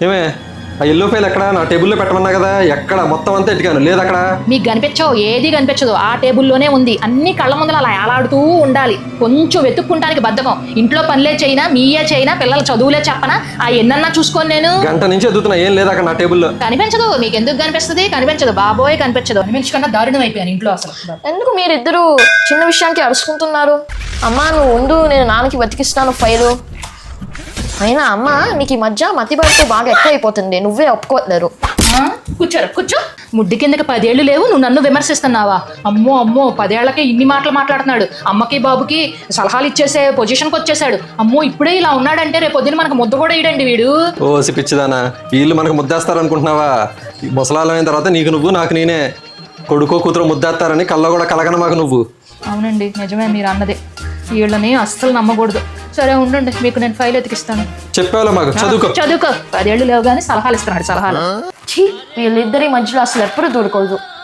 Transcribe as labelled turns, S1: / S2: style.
S1: ఏమే ఆ yellow file ఎక్కడ? నా టేబుల్లో పెట్టమన్నా కదా, ఎక్కడ? మొత్తం అంతా ఎట్టుకాను, లేదు అక్కడ.
S2: మీకు కనిపించవు, ఏది కనిపించదు. ఆ టేబుల్లోనే ఉంది. అన్ని కళ్ళ ముందర అలా ఏలాడుతూ ఉండాలి. కొంచెం వెతుక్కుంటానికి బద్ధకం. ఇంట్లో పనులే చేయనా, మీయే చేయనా, పిల్లల చదువులే చెప్పనా, ఆ ఎన్నన్నా చూసుకోను నేను.
S1: గంట నుంచి ఎదుగుతున్నా, ఏం లేదు అక్కడ నా టేబుల్లో.
S2: కనిపించదు. మీకు ఎందుకు కనిపిస్తుంది? కనిపించదు బాబోయ్, కనిపించదు. అనిపించకుండా దారుణం అయిపోయాను ఇంట్లో అసలు.
S3: ఎందుకు మీరిద్దరు చిన్న విషయానికి అరుచుకుంటున్నారు? అమ్మా నువ్వు ఉండు, నేను నాన్నకి బతికిస్తాను ఫైలు. అయినా అమ్మ నీకు ఈ మధ్య మతిబడితో బాగా ఎక్కువ అయిపోతుంది, నువ్వే ఒప్పుకోలేరు.
S2: కూర్చోరు, కూర్చో. ముడ్డి కిందకి 10 ఏళ్ళు లేవు, నువ్వు నన్ను విమర్శిస్తున్నావా? అమ్మో అమ్మో, 10 ఏళ్లకే ఇన్ని మాటలు మాట్లాడుతున్నాడు. అమ్మకి బాబుకి సలహాలు ఇచ్చేసే పొజిషన్కి వచ్చేసాడు. అమ్మో ఇప్పుడే ఇలా ఉన్నాడంటే రేపు పొద్దున మనకు ముద్ద కూడా ఇడండి వీడు.
S1: ఓ పిచ్చిదానా, వీళ్ళు మనకు ముద్దేస్తారు అనుకుంటున్నావా? ముసలాలం అయిన తర్వాత నీకు నువ్వు, నాకు నేనే. కొడుకో కూతురు ముద్దేస్తారని కల్లో కూడా కలగన మాకు నువ్వు.
S2: అవునండి, నిజమే మీరు అన్నది. వీళ్ళని అస్సలు నమ్మకూడదు. సరే ఉండండి, మీకు నేను ఫైల్ ఎతికిస్తాను.
S1: చెప్పావులే మాకు, చదువుకో.
S2: 10 ఏళ్ళు లేవు కానీ సలహాలు ఇస్తున్నాడు, సలహాలు.
S3: ఛీ, వీళ్ళిద్దరి మధ్యలో అసలు ఎప్పుడు దూరకూడదు.